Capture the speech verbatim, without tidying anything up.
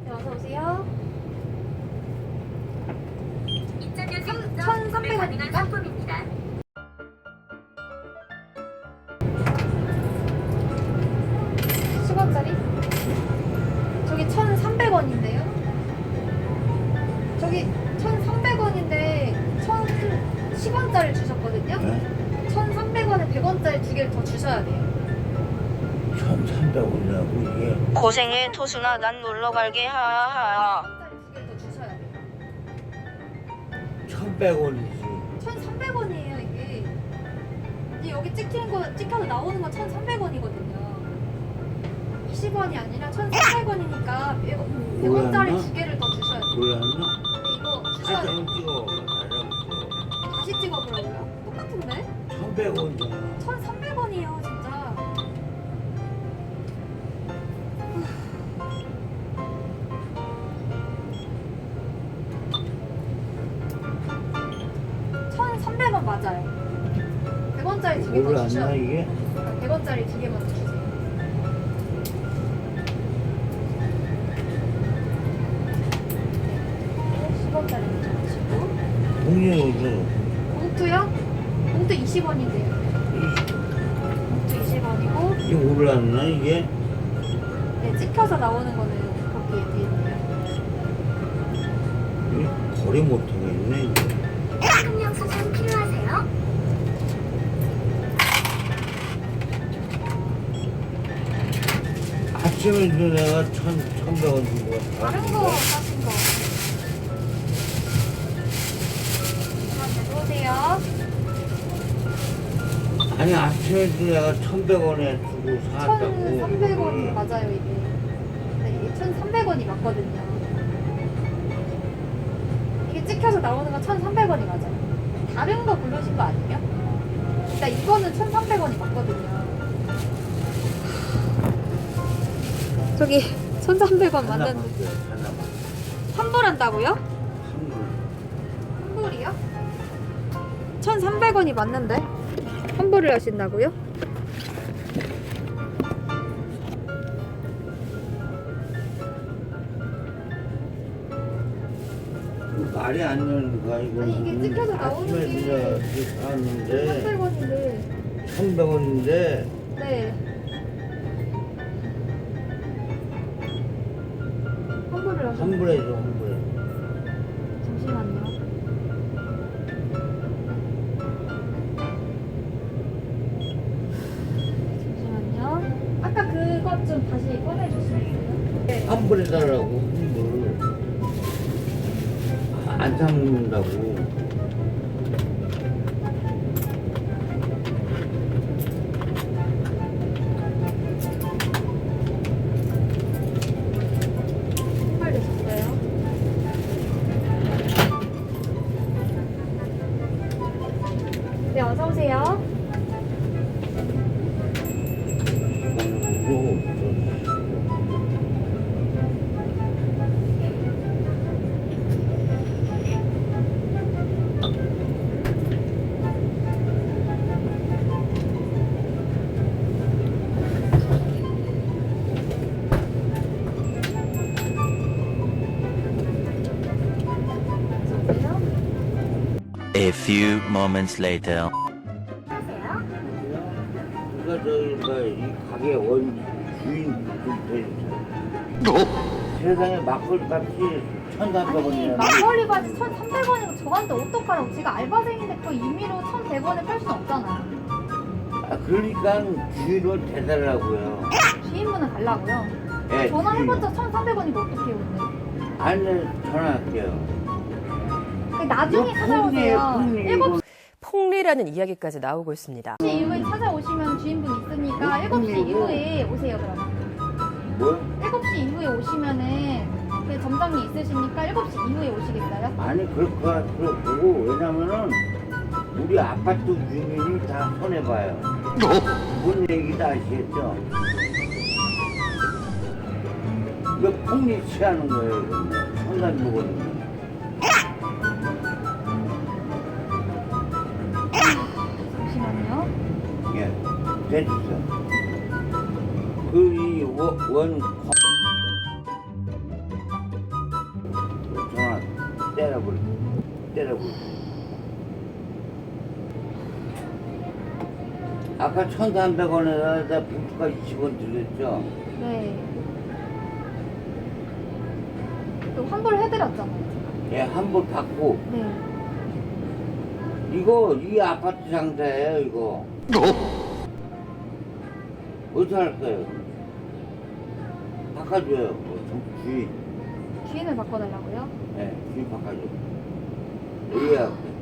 네, 어서 오세요. 천삼백 원입니다. 상품입니다. 십 원짜리? 저기 천삼백 원인데요? 저기 천삼백 원인데 천 십 원짜리 주셨거든요? 네? 천삼백 원에 백 원짜리 두 개를 더 주셔야 돼요. 천삼백 원이라고 이게. 고생해 토순아 난 놀러갈게 하하하. 백 원짜리 두 개를 더 주셔야 돼요. 천백 원이지. 천삼백 원이에요 이게. 이제 여기 찍히는 거 찍혀서 나오는 건 천삼백 원이거든요. 이십 원이 아니라 천삼백 원이니까 백 원짜리 두 개를 더 주셔야 돼요. 몰랐나? 근데 이거 주셔야 돼요. 사진 찍어. 나랑 다시 찍어보라고요? 똑같은데? 천백 원이잖아. 천삼백 원이에요 진짜. 천삼백 원 맞아요. 백 원짜리 두 개 더 몰랐나 주셔야 돼요. 이게? 백 원짜리 두 개만 더 주세요. 십 원짜리 주시고. 공룡으로 봉투요? 봉투 이십 원인데요. 봉투 이십 원이고. 이게 몰랐나 이게? 네, 찍혀서 나오는 거는 거기에 뒤에 있네요. 이게 거리 못하겠네 이게. 상품용 수정 필요하세요? 아침에도 내가 천, 천백 원 준 거야. 다른 거 사신 거. 들어오세요. 아니 아침에도 내가 천백 원에 주고 사왔다고. 천삼백 원 맞아요 이게. 네, 이게 천삼백 원이 맞거든요. 이게 찍혀서 나오는 건 천삼백 원이 맞아요. 다른 거 고르신 거 아니에요? 일단 이거는 천삼백 원이 맞거든요. 저기 천삼백 원 하나만 맞는데 돼, 하나만. 환불한다고요? 한불. 환불이요? 천삼백 원이 맞는데? 환불을 하신다고요? 그 말이 안 되는 거야 이거. 아니, 이게 찍혀서 나오는 아침에 게 내가 이렇게 사왔는데 천삼백 원인데. 천백 원인데 네. 환불을 하셨 환불해줘 환불해. 잠시만요. 잠시만요. 아까 그것 좀 다시 꺼내주시겠어요? 네. 환불해달라고 환불. 안 사먹는다고. 환불되셨어요? 네, 어서 오세요. A few moments later. 하세요? 그러니까 저기 뭐이 가게 원 주인 좀 해주세요. 세상에 막걸리 값이 천삼백 아니 원이야. 막걸리 바지 천삼백 원이고 저한테 어떡하라고. 제가 알바생인데 그 임의로 천백 원에 팔 수는 없잖아요. 아 그러니까 주인을 대달라고요. 주인분은 달라고요. 예, 전화해봤자 천삼백 원이고 어떡해요 근데. 아니 전화할게요. 그 나중에 이거 찾아오세요. 폭리, 폭리, 일곱 폭리라는 이야기까지 나오고 있습니다. 시 이후에 찾아오시면 주인분 있으니까 뭐, 일곱 시 폭리고. 이후에 오세요 그러면. 뭐? 일곱 시 이후에 오시면은 그 점장이 있으시니까 일곱 시 이후에 오시겠어요? 아니 그럴 것 같고 왜냐면은 우리 아파트 주민이 다 손해봐요. 뭔 얘기다 아시겠죠? 이거 폭리 취하는 거예요. 상관 먹었는데. 잠시만요. 예, 됐어. 그이 원, 때려버려. 때려버려. 아까 천삼백 원에다 부부가 이십 원 들렸죠? 네. 또 환불해드렸잖아요. 예, 환불 받고. 네. 이거, 이 아파트 상자예요, 이거. 어떻게 할 거예요? 바꿔줘요, 그 주인. 주인을 바꿔달라고요? 예, 주인 바꿔줘. 예약.